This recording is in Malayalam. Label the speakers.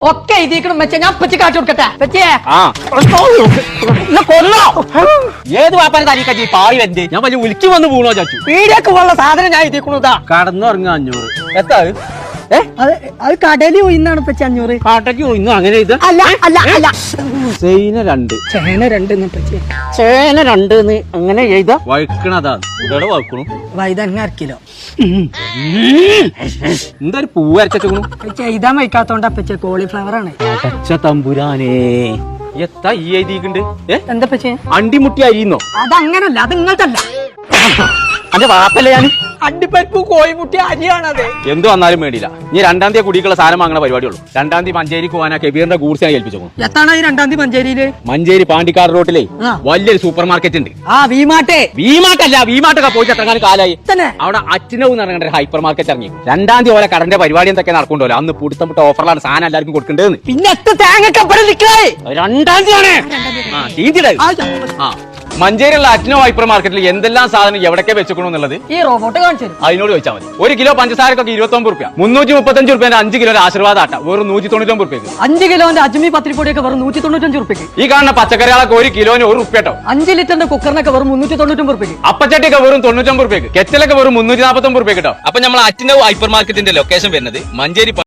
Speaker 1: ഒക്കെ എഴുതിക്കണം വെച്ചാ ഞാൻ പറ്റി കാട്ടി കൊടുക്കട്ടെ പറ്റിയേ
Speaker 2: കൊല്ലോ ഏത് വാപ്പാനെ തനിക്കച്ചി പായി വെന്ത് ഞാൻ വലിയ ഉലിക്ക് വന്ന് വീണോ ചാച്ചു
Speaker 1: പീടിയൊക്കെ ഉള്ള സാധനം ഞാൻ എഴുതിക്കണതാ
Speaker 2: കടന്നുറങ്ങാ 500 എത്താ
Speaker 1: അത് കടലിൽ പോയിന്നാണ് പറ്റി 500
Speaker 2: കാട്ടയ്ക്ക് ഇന്നും അങ്ങനെ ഇത്
Speaker 1: അല്ല അല്ല അല്ല
Speaker 2: ചേന 2
Speaker 1: ചേന 2 പറ്റി
Speaker 2: ചേന 2 അങ്ങനെ എഴുതാ വഴുക്കണതാ ഇവിടെ വഴുക്കണു
Speaker 1: വൈതങ്ങ 1 കിലോ
Speaker 2: എന്താ ഒരു പൂവ് അരച്ചു
Speaker 1: പറ്റി എഴുതാൻ വയ്ക്കാത്തോണ്ടാ പറ്റിയ കോളിഫ്ലവർ ആണ്
Speaker 2: അടച്ച തമ്പുരാനേ എത്താ ഈ എഴുതിയിട്ടുണ്ട്
Speaker 1: എന്താ പറ്റി
Speaker 2: അണ്ടിമുട്ടി അരിയുന്നോ
Speaker 1: അതങ്ങനല്ല അത് ഇങ്ങോട്ടല്ല
Speaker 2: അന്റെ വാപ്പല്ലേ ഞാൻ
Speaker 1: അണ്ടിപ്പരിപ്പ് കോഴിമുട്ടി അരിയാണത്
Speaker 2: എന്ത് വന്നാലും വേണ്ടിയില്ല ഇനി 2-ാം തീയതി കുടിക്കുള്ള സാധനം വാങ്ങണ പരിപാടിയുള്ളൂ 2-ാം തീയതി മഞ്ചേരിക്ക് പോകാനാ കെബീറിന്റെ ഗൂഡ്സിനെ ഏൽപ്പിച്ചു
Speaker 1: എത്താണ് ഈ 2-ാം തീയതി മഞ്ചേരിയില്
Speaker 2: മഞ്ചേരി പാണ്ടിക്കാട് റോട്ടിലെ വലിയൊരു സൂപ്പർ മാർക്കറ്റ് ഉണ്ട്
Speaker 1: വീമാട്ടെ
Speaker 2: വീമാട്ടൊക്കെ പോയിട്ട് എത്രങ്ങാനും കാലായി
Speaker 1: തന്നെ
Speaker 2: അവിടെ അച്ഛനവും നടക്കേണ്ട ഒരു ഹൈപ്പർ മാർക്കറ്റ് ഇറങ്ങി 2-ാം തീയതി ഓരോ കടന്റെ പരിപാടി എന്തൊക്കെ നടക്കണ്ടല്ലോ അന്ന് പുടുത്തപ്പെട്ട ഓഫറിലാണ് സാധനം എല്ലാവർക്കും കൊടുക്കേണ്ടത്
Speaker 1: പിന്നെ എത്ര തേങ്ങക്കപ്പടെ നിൽക്കേ
Speaker 2: 2-ാം തീയതിയാണ് മഞ്ചേരിയുള്ള അച്ഛനോ ഹൈപ്പർ മാർക്കറ്റിൽ എന്തെല്ലാം സാധനം എവിടൊക്കെ വെച്ചേക്കണമെന്നുള്ളത്
Speaker 1: ഈ റോബോട്ട് കാണിച്ചു
Speaker 2: അതിനോട് ചോദിച്ചാൽ മതി 1 കിലോ പഞ്ചസാരക്കൊക്കെ 29 രൂപ 335 രൂപ 5 കിലോ ആശീർവാദ ആട്ട വെറും 199 രൂപയ്ക്ക്
Speaker 1: 5 കിലോന്റെ അജ്മി പത്തിരിപ്പൊടിയൊക്കെ വെറും 195 രൂപയ്ക്ക്
Speaker 2: ഈ കാണുന്ന പച്ചക്കറികളൊക്കെ 1 കിലോന് 1 രൂപ കേട്ടോ
Speaker 1: 5 ലിറ്ററിന്റെ കുക്കറിനൊക്കെ വെറും 399 രൂപയ്ക്ക്
Speaker 2: അപ്പച്ചട്ടിയൊക്കെ വെറും 99 രൂപയ്ക്ക് കെറ്റലൊക്കെ വെറും 349 രൂപ കേട്ടോ അപ്പൊ നമ്മൾ അച്ഛനോ ഹൈപ്പർ മാർക്കറ്റിന്റെ ലൊക്കേഷൻ വരുന്നത് മഞ്ചേരി